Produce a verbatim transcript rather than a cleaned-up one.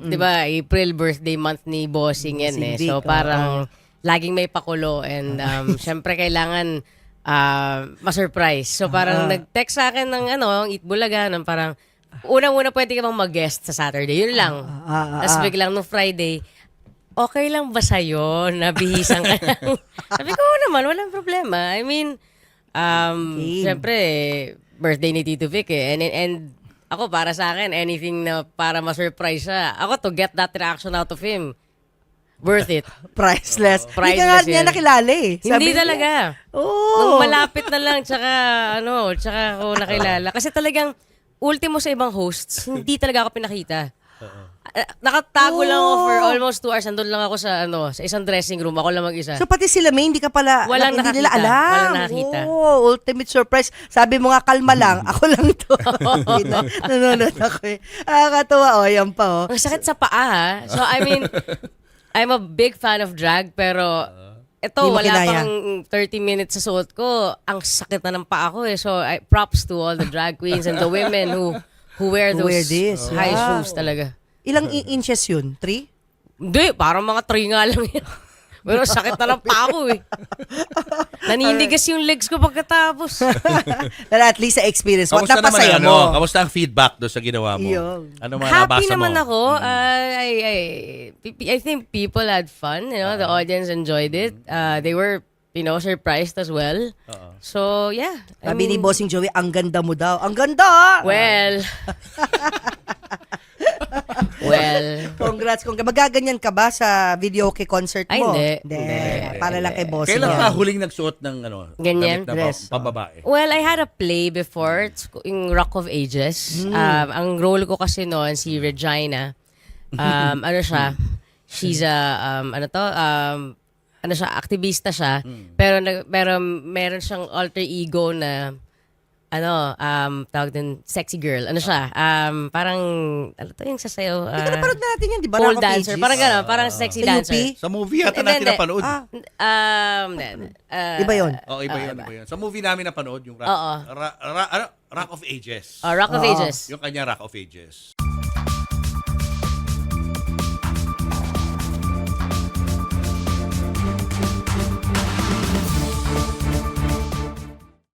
di ba, April birthday month ni Bossing yan eh. Cindy, So parang laging may pakulo and um, syempre kailangan uh, ma-surprise. So parang nag-text sa akin ng ano, Eat Bulaga, ng parang unang-una pwede ka bang mag-guest sa Saturday. Yun lang. Ah, ah, ah, Tapos ah. biglang no Friday, okay lang ba sa'yo na bihisan ka lang? Sabi ko, oo naman, walang problema. I mean, um, Okay. syempre, birthday ni Tito Vic eh. And, and ako, para sa akin, anything na para ma-surprise siya, ako to get that reaction out of him, worth it. Priceless. Hindi ka nga Priceless niya yun. nakilala eh. Hindi Sabi niya, talaga. Oo. Nung malapit na lang, tsaka, ano, tsaka ako nakilala. Kasi talagang, ultimo sa ibang hosts, hindi talaga ako pinakita. Uh, nakatago lang ako for almost two hours. Nandun lang ako sa ano sa isang dressing room. Ako lang mag-isa. So pati sila May, hindi ka pala, Walang hindi nila nakakita. alam. Walang nakakita. Oh, ultimate surprise. Sabi mo nga, kalma lang. Ako lang to. Nanonood ako eh. Nakakatawa. Oh, yan pa oh. Ang sakit sa paa ha. So I mean, I'm a big fan of drag pero ito, Di mo wala kinaya. pang thirty minutes sa suot ko. Ang sakit na ng paa ko eh. So I, props to all the drag queens and the women who who wear Who those wear this. high Wow. shoes talaga. Ilang i- inches yun? Three? Hindi, parang mga three nga lang yan. Pero sakit na ng paa ko eh. Naninigas yung legs ko pagkatapos. Pero at least sa experience, what Kamusta naman napasaya ano? mo? Kamusta ang feedback doon sa ginawa mo? Yun. Ano mga Happy nabasa naman mo? ako. Uh, I, I, I think people had fun. You know, the audience enjoyed it. Uh, they were, you know, surprised as well. So, yeah. I Sabi ni mean, Bossing Joey, ang ganda mo daw. Ang ganda! ah! well, well, Congrats. Congrats. Magaganyan ka ba sa video kay concert Ay, mo? hindi. Hindi. Para lang kay Bossing. Kailan yan. ka huling nagsuot ng ano? Ganyan? damit na Dress. pam- pambabae? well, I had a play before. It's yung Rock of Ages. Um, ang role ko kasi noon, si Regina. Um, ano siya? She's a, um, ano to? Um, ano siya? Aktivista siya. Pero, nag- pero meron siyang alter ego na ano, um, tawag din, sexy girl. Ano siya? Um, parang, ano to yung sasayaw? Hindi ka Uh, napanood natin yan, di ba? pole Rock of dancer. Ages? Parang gano'n, parang sexy Sa U P? dancer. Sa movie yata Hindi, natin hindi. napanood. Ah, Um, uh, Iba yun? Oh, iba yun, iba yun. Sa movie namin napanood yung Rock, Oo. Ra- Ra- ano? Rock of Ages. uh, Rock of Oo. Ages. Yung kanya Rock of Ages.